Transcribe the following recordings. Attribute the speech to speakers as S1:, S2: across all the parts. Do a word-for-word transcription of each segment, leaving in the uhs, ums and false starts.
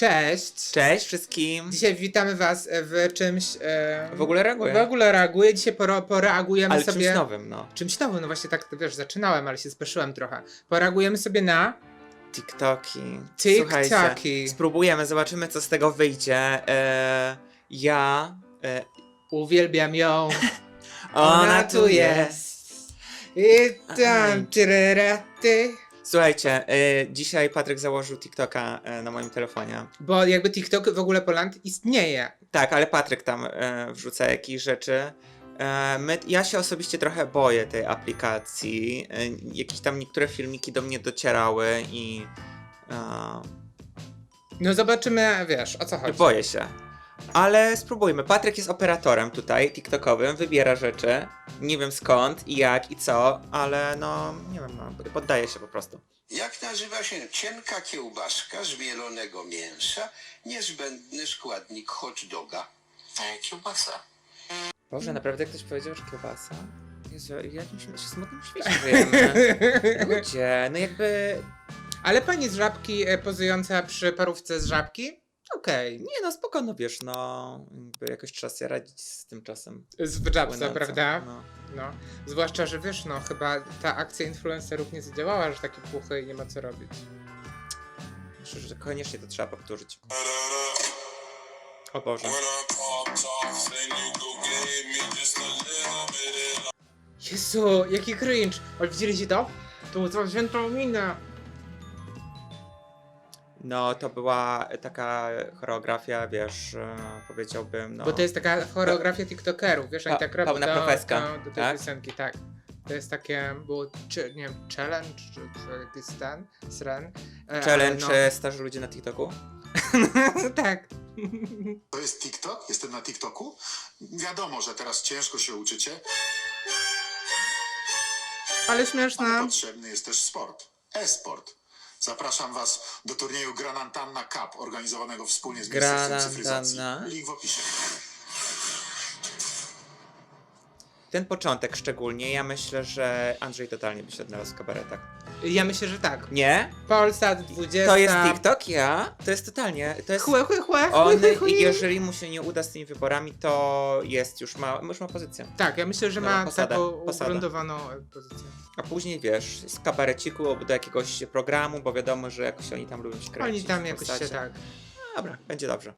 S1: Cześć!
S2: Cześć wszystkim!
S1: Dzisiaj witamy was w czymś... E,
S2: W ogóle reaguję.
S1: W ogóle reaguję. Dzisiaj poro, poreagujemy
S2: Ale
S1: sobie...
S2: czymś nowym, no.
S1: Czymś nowym, no właśnie tak, wiesz, zaczynałem, ale się spieszyłem trochę. Poreagujemy sobie na...
S2: TikToki.
S1: TikToki.
S2: Słuchajcie, spróbujemy, zobaczymy co z tego wyjdzie. E, ja... E,
S1: Uwielbiam ją.
S2: ona tu jest.
S1: I tam...
S2: Aj.
S1: tyreraty.
S2: Słuchajcie, e, dzisiaj Patryk założył TikToka e, na moim telefonie.
S1: Bo jakby TikTok w ogóle Poland istnieje.
S2: Tak, ale Patryk tam e, wrzuca jakieś rzeczy. E, my, ja się osobiście trochę boję tej aplikacji. E, jakieś tam niektóre filmiki do mnie docierały i... E,
S1: No zobaczymy, wiesz, o co chodzi.
S2: boję się. Ale spróbujmy. Patryk jest operatorem tutaj, TikTokowym, wybiera rzeczy. Nie wiem skąd i jak i co, ale no, nie wiem, no, poddaję się po prostu.
S3: Jak nazywa się cienka kiełbaska z mielonego mięsa, niezbędny składnik hot doga? E, kiełbasa.
S2: Boże, naprawdę ktoś powiedział, że kiełbasa? Jezu, w jakimś się smutnym świecie żyjemy. Ludzie, no jakby...
S1: Ale pani z Żabki e, pozująca przy parówce z Żabki? Okej.
S2: Nie no, spoko, no wiesz, no, jakby jakoś trzeba sobie radzić z tym czasem.
S1: Z Żabce,
S2: płynącym,
S1: prawda?
S2: No.
S1: No. Zwłaszcza, że wiesz, no chyba ta akcja influencerów nie zadziałała, że takie puchy i nie ma co robić.
S2: Myślę, że koniecznie to trzeba powtórzyć. O Boże.
S1: Jezu, jaki cringe! Ale widzieliście to? To co wziętą minę.
S2: No, to była taka choreografia, wiesz, e, powiedziałbym, no...
S1: Bo to jest taka choreografia tiktokerów, wiesz, oni
S2: Pa-
S1: tak robią
S2: pełna
S1: do,
S2: profeska,
S1: do, do tej
S2: tak?
S1: piosenki, tak. To jest takie, było, czy, nie wiem, challenge, czy, czy jakiś ten, sren. E,
S2: Challenge
S1: ale
S2: e, starzy ludzie na TikToku?
S1: no. Tak.
S4: To jest TikTok? Jestem na TikToku? Wiadomo, że teraz ciężko się uczycie,
S1: Ale
S4: ale
S1: śmieszne.
S4: potrzebny jest też sport. E-sport. Zapraszam was do turnieju Granantanna Cup, organizowanego wspólnie z Ministerstwem Cyfryzacji.
S2: Granantanna.
S4: Link w opisie.
S2: Ten początek szczególnie, ja myślę, że Andrzej totalnie by się odnalazł w kabaretach.
S1: Ja myślę, że tak.
S2: Nie?
S1: Polsat dwudziesta.
S2: To jest TikTok? Ja? To jest totalnie, to jest...
S1: Chłe, chłe, chłe, chłe,
S2: On,
S1: chłe, chłe.
S2: jeżeli mu się nie uda z tymi wyborami, to jest już ma, już ma pozycję.
S1: Tak, ja myślę, że
S2: No,
S1: ma
S2: posada,
S1: taką
S2: posada.
S1: ugruntowaną e, pozycję.
S2: A później, wiesz, z kabareciku do jakiegoś programu, bo wiadomo, że jakoś oni tam lubią się kręcić.
S1: Oni tam
S2: w
S1: jakoś się
S2: postaci.
S1: tak.
S2: Dobra, będzie dobrze.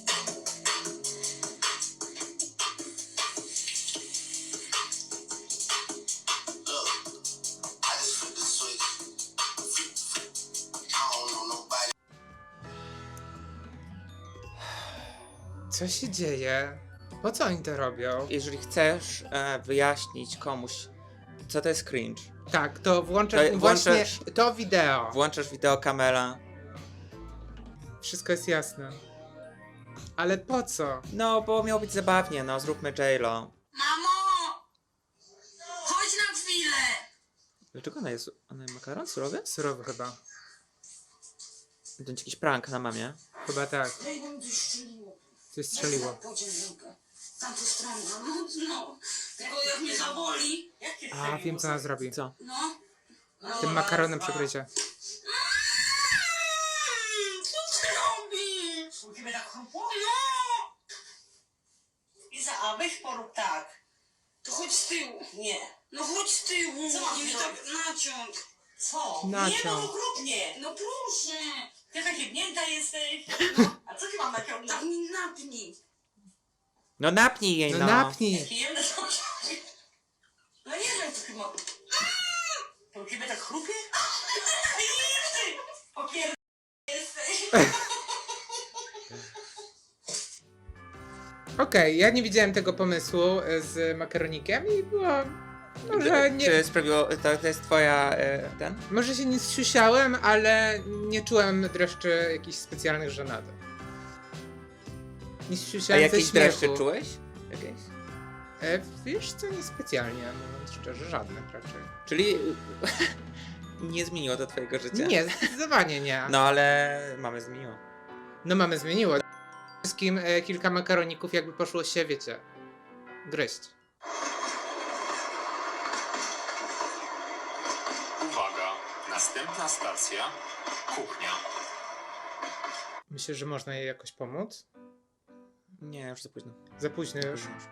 S1: Co się dzieje? Po co oni to robią?
S2: Jeżeli chcesz e, wyjaśnić komuś, co to jest cringe,
S1: Tak, to włączę
S2: To
S1: właśnie
S2: włączasz-
S1: to wideo.
S2: włączasz wideo Kamela.
S1: Wszystko jest jasne. Ale po co?
S2: No, bo miało być zabawnie, no, zróbmy J-Lo.
S5: Mamo! Chodź na chwilę!
S2: Dlaczego ona jest... Ona ma makaron surowy?
S1: Surowy chyba.
S2: To będzie jakiś prank na mamie.
S1: Chyba tak.
S5: Daj nam coś strzeliło.
S1: Coś strzeliło.
S5: Pociąg rękę. Tam to strona, no, no. Tylko jak mnie zaboli. Jakie
S1: A, wiem co ona zrobi.
S2: Co?
S5: No. no.
S1: Tym makaronem przegryzie.
S5: Mm, Co ty robisz? U ciebie tak chrupło? No! Iza, a weź porób tak. To chodź z tyłu. Nie. No chodź z tyłu. Co mam mi tak naciąg. Co?
S1: Naciąg.
S5: Nie, no okrutnie. No proszę. Ty taka jebnięta jesteś. No. A co ty mam naciągnąć? Tak mi napnij.
S2: No napnij jej,
S1: No
S2: no.
S1: napnij.
S5: Pijemy to. No nie wiem, co ty mam. To u ciebie tak chrupie? Ty! Opier... jesteś.
S1: Okej, ja nie widziałem tego pomysłu e, z makaronikiem i było... Może nie...
S2: Czy sprawiło... To, to jest twoja... E, ten?
S1: Może się nie zsiusiałem, ale nie czułem dreszczy jakichś specjalnych żenady. Nie
S2: A
S1: zsiusiałem ze
S2: jakieś
S1: śmiechu.
S2: dreszcze czułeś? Jakieś?
S1: E, wiesz co, niespecjalnie, mówiąc szczerze, żadnych raczej.
S2: Czyli... nie zmieniło to twojego życia?
S1: Nie, zdecydowanie nie.
S2: No ale mamy zmieniło.
S1: No mamy zmieniło. Wszystkim e, kilka makaroników jakby poszło się, wiecie, gryźć.
S6: Uwaga, następna stacja, kuchnia.
S1: Myślisz, że można jej jakoś pomóc?
S2: Nie, już za późno.
S1: Za późno już.
S2: Późno już.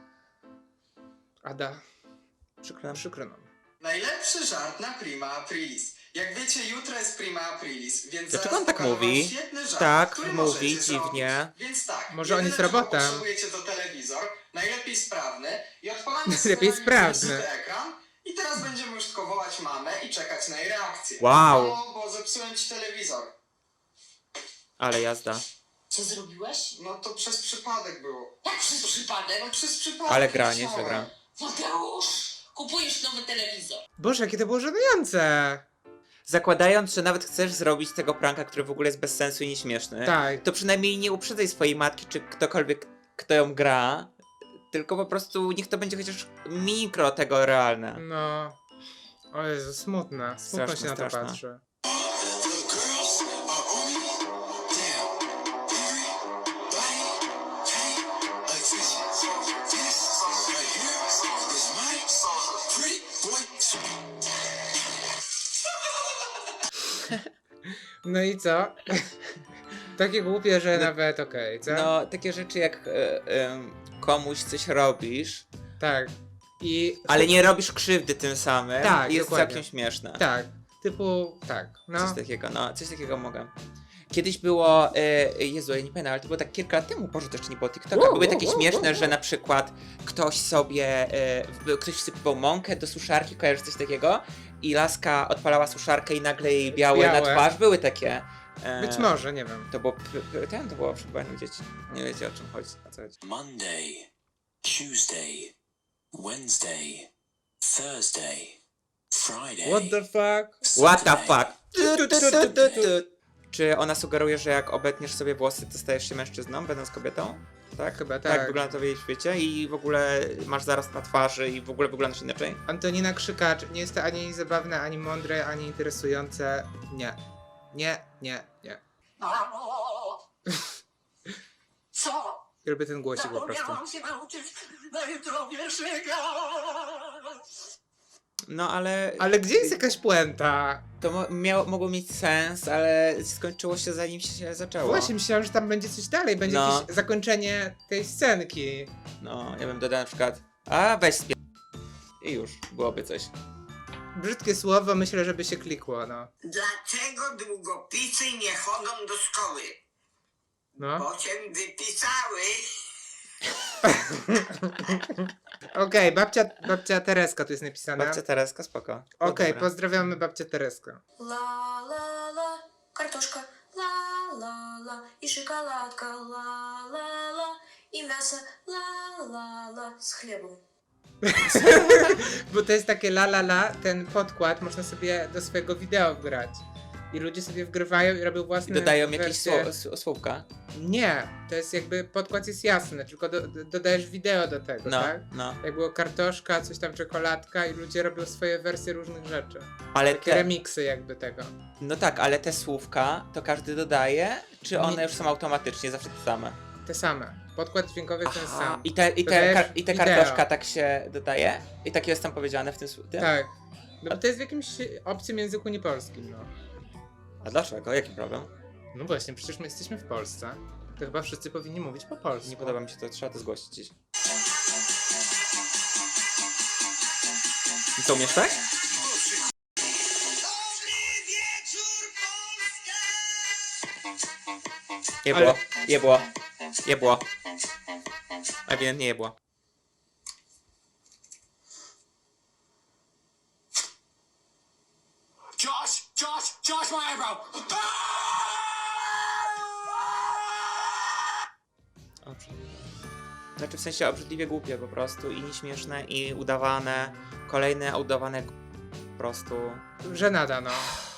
S1: Ada,
S2: Przykro nam.
S1: przykro nam.
S6: Najlepszy żart na Prima Aprilis. Jak wiecie, jutro jest Prima Aprilis, więc
S2: Dlaczego
S6: zaraz
S2: on tak
S6: pokażę wam
S2: mówi?
S6: świetny żart,
S2: Tak,
S6: który
S2: mówi
S6: możecie
S2: dziwnie.
S6: zrobić. Więc tak,
S1: Może on jest
S6: jedyne, czego
S1: robotem.
S6: potrzebujecie to telewizor, najlepiej sprawny i odpalamy
S1: Najlepiej
S6: sobie
S1: sprawny.
S6: na ekran i teraz będziemy już tylko wołać mamę i czekać na jej reakcję.
S2: Wow.
S6: No, bo zepsułem ci telewizor.
S2: Ale jazda.
S5: Co zrobiłeś?
S6: No to przez przypadek było.
S5: Jak przez przypadek?
S6: No przez przypadek.
S2: Ale gra,
S6: nie
S2: nieźle
S6: chciałem.
S2: gra.
S5: Mateusz, kupujesz nowy telewizor.
S1: Boże, jakie to było żenujące!
S2: Zakładając, że nawet chcesz zrobić tego pranka, który w ogóle jest bez sensu i nieśmieszny,
S1: Tak.
S2: to przynajmniej nie uprzedzaj swojej matki, czy ktokolwiek, kto ją gra, tylko po prostu niech to będzie chociaż mikro tego realne.
S1: No. O Jezu, smutne. Smutno
S2: Straszne,
S1: się na to
S2: straszne.
S1: patrzy. No i co? Takie głupie, że
S2: No-
S1: nawet okej, co?
S2: No, takie rzeczy jak e, em, komuś coś robisz,
S1: Tak. I...
S2: ale nie robisz krzywdy tym samym,
S1: Tak,
S2: jest
S1: dokładnie.
S2: całkiem śmieszne.
S1: Tak. Typu... Tak. No.
S2: Coś takiego, no, coś takiego mogę. Kiedyś było, e, Jezu, ja nie pamiętam, ale to było tak kilka lat temu, Boże, to jeszcze nie było TikToka,
S1: Wow,
S2: były
S1: wow,
S2: takie
S1: wow,
S2: śmieszne,
S1: wow,
S2: że na przykład ktoś sobie, e, w- ktoś wsypywał mąkę do suszarki, kojarzysz coś takiego? I laska odpalała suszarkę i nagle jej białe,
S1: Białe.
S2: na twarz, były takie. E,
S1: Być może, nie wiem.
S2: To było, p- p- ten, to było przy baniu dzieci. Nie wiecie o czym chodzi, o co chodzi.
S7: Monday, Tuesday, Wednesday, Thursday, Friday.
S1: What the fuck?
S2: What the
S7: Saturday.
S2: fuck? Tu, tu, tu, tu, tu, tu. Czy ona sugeruje, że jak obetniesz sobie włosy, to stajesz się mężczyzną, będąc kobietą? Tak?
S1: Chyba
S2: Tak
S1: tak.
S2: wygląda to w jej świecie i w ogóle masz zarost na twarzy i w ogóle wyglądasz inaczej?
S1: Antonina Krzykacz. Nie jest to ani zabawne, ani mądre, ani interesujące. Nie. Nie, nie, nie.
S5: Mamo! Co?
S1: I robię ten głosik po prostu.
S5: Zapomniałam się nauczyć na jutro wierszyka.
S2: No ale...
S1: Ale gdzie jest jakaś puenta?
S2: To mo- miało, mogło mieć sens, ale skończyło się zanim się zaczęło.
S1: Właśnie myślałem, że tam będzie coś dalej, będzie
S2: No.
S1: jakieś zakończenie tej scenki.
S2: No, ja bym dodał na przykład, a weź spie... I już, byłoby coś.
S1: Brzydkie słowo, myślę, żeby się klikło, no.
S5: Dlaczego długopisy nie chodzą do szkoły?
S1: No.
S5: Bo cię wypisały.
S1: Okej, babcia, babcia Tereska tu jest napisana.
S2: Babcia Tereska, spoko.
S1: Okej,
S2: Dobra.
S1: pozdrawiamy babcię Tereskę.
S8: Ла ла ла, картошка, ла ла ла, и шоколадка, ла ла ла, и мясо, ла ла ла, с хлебом.
S1: Bo to jest takie la la la, ten podkład można sobie do swojego wideo wgrać. I ludzie sobie wgrywają i robią
S2: I
S1: własne
S2: dodają jakieś
S1: wersje.
S2: sło- s- słówka.
S1: Nie, to jest jakby, podkład jest jasny, tylko do, do, dodajesz wideo do tego,
S2: No,
S1: tak?
S2: no.
S1: Jak było kartoszka, coś tam czekoladka i ludzie robią swoje wersje różnych rzeczy.
S2: Ale
S1: Takie
S2: te,
S1: remiksy jakby tego.
S2: no tak, ale te słówka to każdy dodaje, czy one
S1: Nie.
S2: już są automatycznie zawsze te same?
S1: Te same. Podkład dźwiękowy ten
S2: Aha,
S1: sam.
S2: i te, i te,
S1: Dodajesz
S2: kar- i te
S1: wideo.
S2: kartoszka tak się dodaje? I tak jest tam powiedziane w tym słówku?
S1: Tak. No bo to jest w jakimś obcym języku niepolskim, no.
S2: A dlaczego? Jaki problem?
S1: No właśnie, przecież my jesteśmy w Polsce. To chyba wszyscy powinni mówić po polsku.
S2: Nie podoba mi się to, trzeba to zgłosić dziś. I co, umiesz tak? Jebło, jebło, jebło. Ewidentnie jebło.
S4: Josh, Josh, Josh, my eyebrow.
S2: Obrzydliwe. Znaczy w sensie obrzydliwie głupie po prostu i nieśmieszne i udawane. Kolejne udawane g- po prostu.
S1: Żenada, no.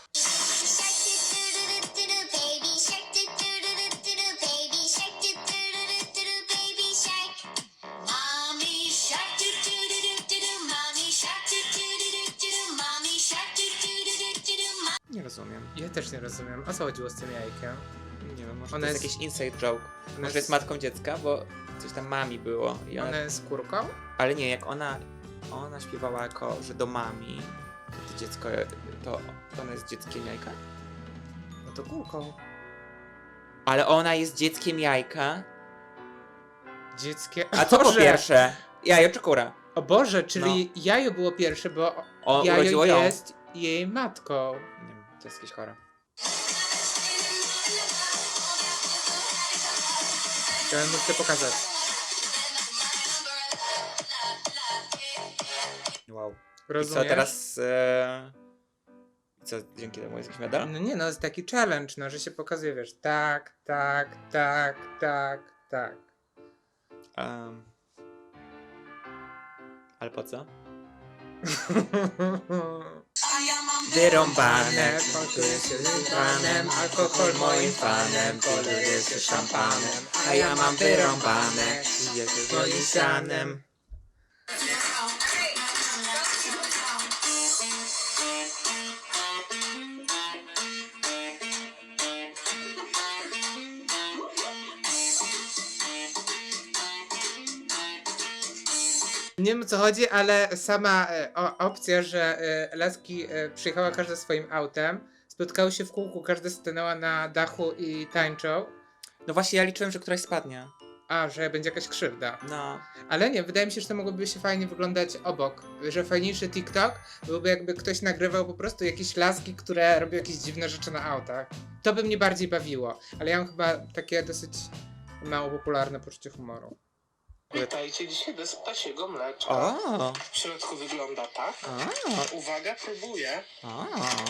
S8: Mommy shark, do do do do do do, mommy shark, do do do do do do, mommy shark, do do do do do do.
S2: Nie rozumiem.
S1: Ja też nie rozumiem. O co chodziło z tym jajkiem?
S2: Nie wiem, może
S1: Ona
S2: to jest
S1: jest-
S2: jakiś inside joke.
S1: Ona
S2: Może jest matką dziecka, bo coś tam mami było. I ona...
S1: Ona jest kurką?
S2: Ale nie, jak ona, ona śpiewała jako, że do mami, to, to dziecko, to, to ona jest dzieckiem jajka?
S1: No to kurką.
S2: Ale ona jest dzieckiem jajka.
S1: Dzieckie...
S2: A co było
S1: Boże!
S2: pierwsze? Jajo czy kura?
S1: O Boże, czyli jajo było pierwsze, bo
S2: O,
S1: jajo
S2: urodziło ją.
S1: jest jej matką.
S2: Nie wiem, to jest jakieś chore.
S1: Ja bym chcę pokazać.
S2: Wow. I
S1: Rozumiesz?
S2: co teraz... E... Co, dzięki temu jest jakiś medal?
S1: No nie, no jest taki challenge, no, że się pokazuje, wiesz, tak, tak, tak, tak, tak.
S2: Um... Ale po co?
S5: A ja mam
S2: Wyrąbane,
S1: Pokryję się
S2: panem,
S1: panem, alkohol moim fanem, poleję się szampanem,
S2: a ja mam wyrąbane, jedzie moim sianem.
S1: Nie wiem o co chodzi, ale sama e, o, opcja, że e, laski e, przyjechała każda swoim autem, spotkały się w kółku, każda stanęła na dachu i tańczą,
S2: No właśnie, ja liczyłem, że któraś spadnie.
S1: a, że będzie jakaś krzywda.
S2: No.
S1: Ale nie, wydaje mi się, że to mogłoby się fajnie wyglądać obok, że fajniejszy TikTok byłby jakby ktoś nagrywał po prostu jakieś laski, które robią jakieś dziwne rzeczy na autach. To by mnie bardziej bawiło, ale ja mam chyba takie dosyć mało popularne poczucie humoru.
S9: Witajcie, dzisiaj bez ptasiego mleczka.
S2: O,
S9: W środku wygląda tak.
S2: o,
S9: Uwaga, próbuję.
S2: o.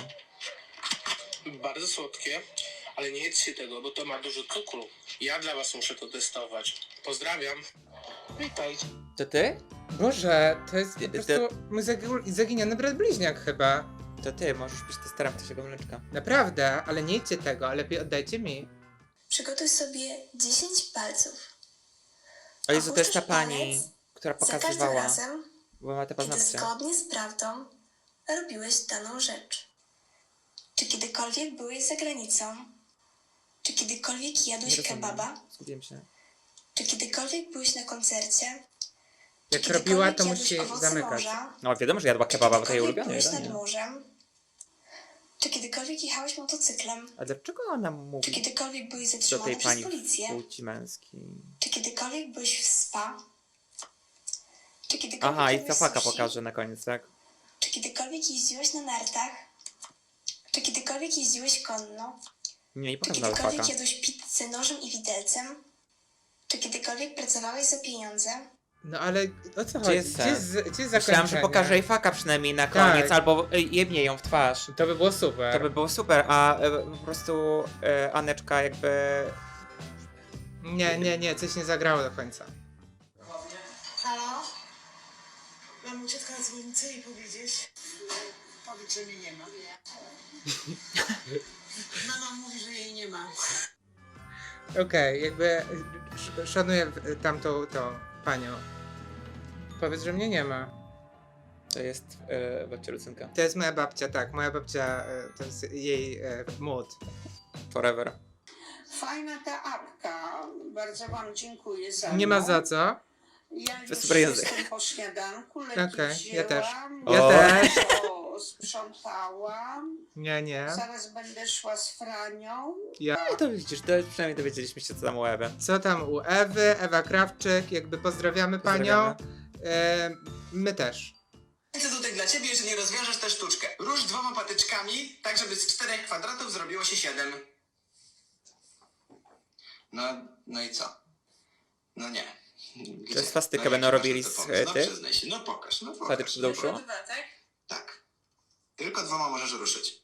S9: Bardzo słodkie, ale nie jedzcie tego, bo to ma dużo cukru. Ja dla was muszę to testować. Pozdrawiam. Witajcie.
S2: To ty?
S1: Boże, to jest po
S2: Ty- ty-
S1: prostu mój zagi- zaginiony brat bliźniak chyba.
S2: To ty, możesz być testerem ptasiego mleczka.
S1: Naprawdę, ale nie jedźcie tego, a lepiej oddajcie mi.
S8: Przygotuj sobie dziesięć palców.
S2: O Jezu, to jest ta
S8: Opuszczasz
S2: pani,
S8: palec
S2: która
S8: za każdym
S2: pokazywała,
S8: razem,
S2: bo ma te
S8: kiedy
S2: paznokcie.
S8: zgodnie z prawdą robiłeś daną rzecz. Czy kiedykolwiek byłeś za granicą? Czy kiedykolwiek
S2: Nie
S8: jadłeś
S2: rozumiem.
S8: kebaba?
S2: Zgubiłem się.
S8: Czy kiedykolwiek byłeś na koncercie?
S1: Jak
S8: Czy
S1: robiła, to
S8: kiedykolwiek
S1: musi
S8: jadłeś owoce
S1: zamykać.
S8: morza?
S2: No wiadomo, że jadła
S8: Czy
S2: kebaba, bo to jej
S8: kiedykolwiek
S2: ulubione
S8: byłeś nad
S2: jedzenie.
S8: morzem? Czy kiedykolwiek jechałeś motocyklem?
S2: A dlaczego ona
S8: Czy
S2: mówi
S8: kiedykolwiek byłeś
S2: do
S8: zatrzymany
S2: tej
S8: przez
S2: pani
S8: policję?
S2: płci męskiej?
S8: Czy kiedykolwiek byłeś w spa? Czy kiedykolwiek
S2: Aha, i
S8: jadłeś
S2: cafaka
S8: sushi?
S2: pokażę na koniec, tak?
S8: Czy kiedykolwiek jeździłeś na nartach? Czy kiedykolwiek jeździłeś konno?
S2: Nie, nie
S8: Czy
S2: pokażę na
S8: kiedykolwiek
S2: cafaka.
S8: jadłeś pizzę nożem i widelcem? Czy kiedykolwiek pracowałeś za pieniądze?
S1: No ale o co
S2: Gdzie
S1: chodzi?
S2: jest
S1: Gdzie jest, gdzie jest
S2: Myślałam, że
S1: zakończenie?
S2: pokażę jej faka przynajmniej na
S1: Tak.
S2: koniec, albo y, jebnie ją w twarz.
S1: To by było super.
S2: To by było super, a y, po prostu y, Aneczka jakby...
S1: Nie, nie, nie, coś nie zagrało do końca.
S5: Halo? Mam uciec na dzwonnicę i powiedzieć. Powiedz, że mnie nie ma. Mama mówi, że jej nie ma.
S1: Okej, jakby sz- szanuję w- tamtą tą panią. Powiedz, że mnie nie ma.
S2: To jest y, babcia Lucynka.
S1: To jest moja babcia, tak, moja babcia, e, to jest jej e, mód.
S2: Forever.
S5: Fajna ta apka. Bardzo wam dziękuję za
S1: Nie ma
S5: nią.
S1: za co.
S5: Ja już
S2: Super język.
S5: jestem po śniadanku, leki
S1: Okej, ja też.
S5: wzięłam,
S1: Ja
S2: O.
S1: też.
S5: to sprzątałam.
S1: Nie, nie.
S5: Zaraz będę szła z Franią.
S1: Ja.
S2: No i to widzisz, to przynajmniej dowiedzieliśmy się co tam u Ewy.
S1: Co tam u Ewy, Ewa Krawczyk, jakby pozdrawiamy panią. E, my też.
S6: Co tutaj dla ciebie, jeżeli rozwiążesz tę sztuczkę? Rusz dwoma patyczkami, tak żeby z czterech kwadratów zrobiło się siedem. No, no i co? No nie. Gdzie?
S2: To jest swastykę
S6: jak
S2: będą
S6: masz
S2: robili
S6: na to
S2: z,
S6: pomysł? No
S2: tych?
S6: przyznaj się, no pokaż, no pokaż.
S2: Patyczki do uszu?
S6: Tak. Tylko dwoma możesz ruszyć.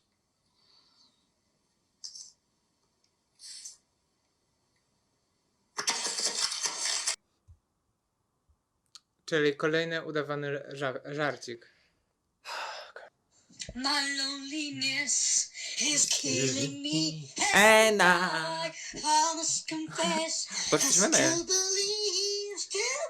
S1: Czyli kolejny udawany żar żarcik.
S5: My loneliness is killing me.
S2: And I...
S5: I must confess.
S2: Poszliśmy my.
S5: Still believe, still...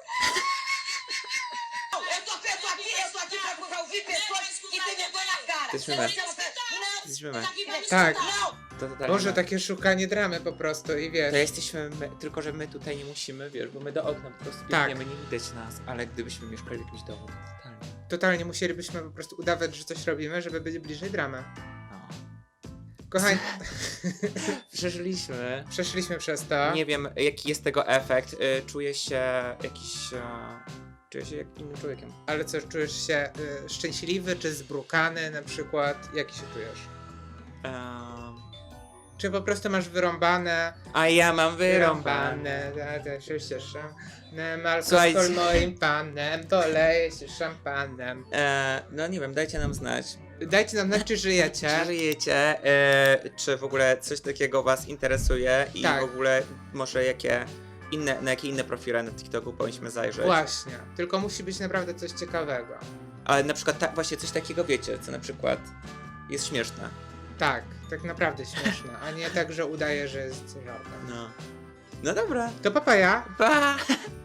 S5: Eu tô preso aqui, eu tô aqui pra, pra ouvir pessoas que têm vergonha na cara.
S2: Jesteśmy my. Jesteśmy my.
S1: Tak.
S2: To totalnie
S1: Boże,
S2: my.
S1: takie szukanie dramy po prostu i
S2: To
S1: wiesz.
S2: jesteśmy my, tylko że my tutaj nie musimy, wiesz, bo my do okna po prostu
S1: Tak.
S2: biegniemy, nie widać nas, ale gdybyśmy mieszkali w jakimś domu, to totalnie.
S1: Totalnie musielibyśmy po prostu udawać, że coś robimy, żeby być bliżej dramy.
S2: No.
S1: Kochani,
S2: Przeżyliśmy.
S1: przeszliśmy przez to.
S2: Nie wiem, jaki jest tego efekt. Y, Czuję się jakiś... e, Czuję się jak innym człowiekiem.
S1: Ale co, czujesz się y, szczęśliwy czy zbrukany na przykład? Jaki się czujesz?
S2: Em,
S1: Czy po prostu masz wyrąbane?
S2: A ja mam wyrąbane.
S1: Wyrąbane, ja też się cieszę. Alkohol
S2: Słuchajcie.
S1: moim panem, poleję się szampanem.
S2: E, no nie wiem, dajcie nam znać.
S1: Dajcie nam znać, czy żyjecie.
S2: Czy żyjecie? E, czy w ogóle coś takiego was interesuje? I
S1: Tak.
S2: w ogóle może jakie inne, na jakie inne profile na TikToku powinniśmy zajrzeć?
S1: Właśnie, tylko musi być naprawdę coś ciekawego.
S2: Ale na przykład ta, właśnie coś takiego wiecie, co na przykład jest śmieszne.
S1: Tak, tak naprawdę śmieszne, a nie tak, że udaje, że jest żartem.
S2: No. No dobra.
S1: To papaja.
S2: Pa!